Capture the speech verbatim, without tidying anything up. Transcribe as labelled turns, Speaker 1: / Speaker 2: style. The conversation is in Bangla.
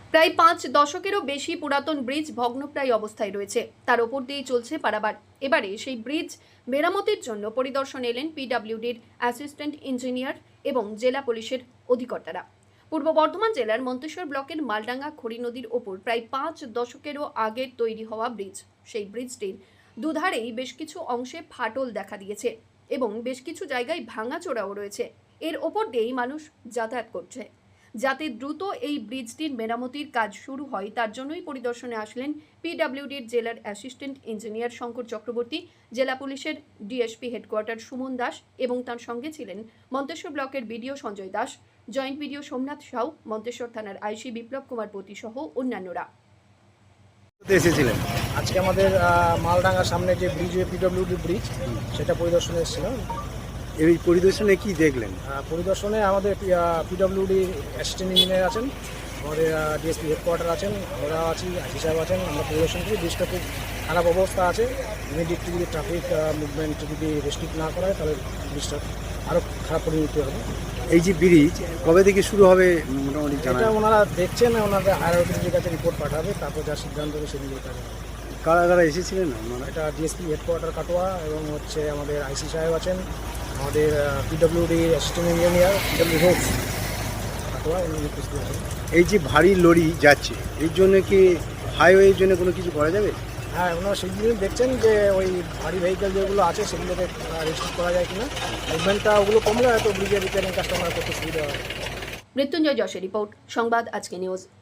Speaker 1: প্রায় পাঁচ দশকেরও বেশি পুরাতন ব্রিজ ভগ্নপ্রায় অবস্থায় রয়েছে, তার ওপর দিয়েই চলছে পারাবার। এবারে সেই ব্রিজ মেরামতির জন্য পরিদর্শন এলেন পিডব্লিউডির অ্যাসিস্ট্যান্ট ইঞ্জিনিয়ার এবং জেলা পুলিশের অধিকর্তারা। পূর্ব বর্ধমান জেলার মন্তেশ্বর ব্লকের মালডাঙ্গা খড়ি নদীর ওপর প্রায় পাঁচ দশকেরও আগে তৈরি হওয়া ব্রিজ। সেই ব্রিজটির দুধারেই বেশ কিছু অংশে ফাটল দেখা দিয়েছে এবং বেশ কিছু জায়গায় ভাঙাচোরাও রয়েছে। এর ওপর দিয়েই মানুষ যাতায়াত করছে। যাতে দ্রুত এই ব্রিজটির মেরামতির কাজ শুরু হয় তার জন্যই পরিদর্শনে আসলেন পিডব্লিউডির জেলার অ্যাসিস্ট্যান্ট ইঞ্জিনিয়ার শঙ্কর চক্রবর্তী, জেলা পুলিশের ডিএসপি হেডকোয়ার্টার সুমন দাস এবং তার সঙ্গে ছিলেন মন্তেশ্বর ব্লকের BDO Sanjay Das, joint BDO Somnath Sau, Manteswar থানার আইসি বিপ্লব কুমার পতি সহ অন্যান্যরা।
Speaker 2: এসেছিলেন
Speaker 3: আজকে আমাদের আহ, মালডাঙ্গার সামনে যে ব্রিজ, পিডব্লিউডি ব্রিজ, সেটা পরিদর্শনে এসেছিলাম।
Speaker 2: এই পরিদর্শনে কি দেখলেন?
Speaker 3: আহ, পরিদর্শনে আমাদের পিডব্লিউডি অ্যাসিস্ট্যান্ট ইঞ্জিনিয়ার আছেন, আমাদের ডিএসপি হেডকোয়ার্টার আছেন, আমরা আছি, আইসি সাহেব আছেন। আমরা পরিদর্শন করি, ব্রিজটা খুব খারাপ অবস্থা আছে। ইমিডিয়েটলি যদি ট্রাফিক মুভমেন্ট যদি রেস্ট্রিক্ট না করা হয় তাহলে ব্রিজটা আরও খারাপ পরিণতি হবে।
Speaker 2: এই যে ব্রিজ কবে থেকে শুরু হবে মোটামুটি জানা?
Speaker 3: এটা ওনারা দেখছেন, ওনাদের হায়ার অথরিটির কাছে রিপোর্ট পাঠাবে, তারপর যা সিদ্ধান্ত হবে সেদিকে কাজ হবে।
Speaker 2: কারা কারা এসেছিলেন আপনারা?
Speaker 3: এটা ডিএসপি হেডকোয়ার্টার কাটোয়া এবং হচ্ছে আমাদের আইসি সাহেব আছেন, আমাদের পিডব্লিউডি অ্যাসিস্ট্যান্ট ইঞ্জিনিয়ার পিডব্লিউ হোক কাটোয়া, উনি উপস্থিত আছেন।
Speaker 2: এই যে ভারী লরি যাচ্ছে, এর জন্য কি হাইওয়ের জন্য কোনো কিছু করা যাবে?
Speaker 3: হ্যাঁ, ওনারা সেই জিনিস দেখছেন যে ওই ভারী ভেহিকেল যেগুলো আছে সেগুলোকে রেস্ট্রিক্ট করা যায় কিনা। মুভমেন্টটা ওগুলো কমলে হয়তো ব্রিজের রিপেয়ারিং কাজটা ওনারা করতে সুবিধা হয়।
Speaker 1: মৃত্যুঞ্জয় যশের রিপোর্ট, সংবাদ আজকে নিউজ।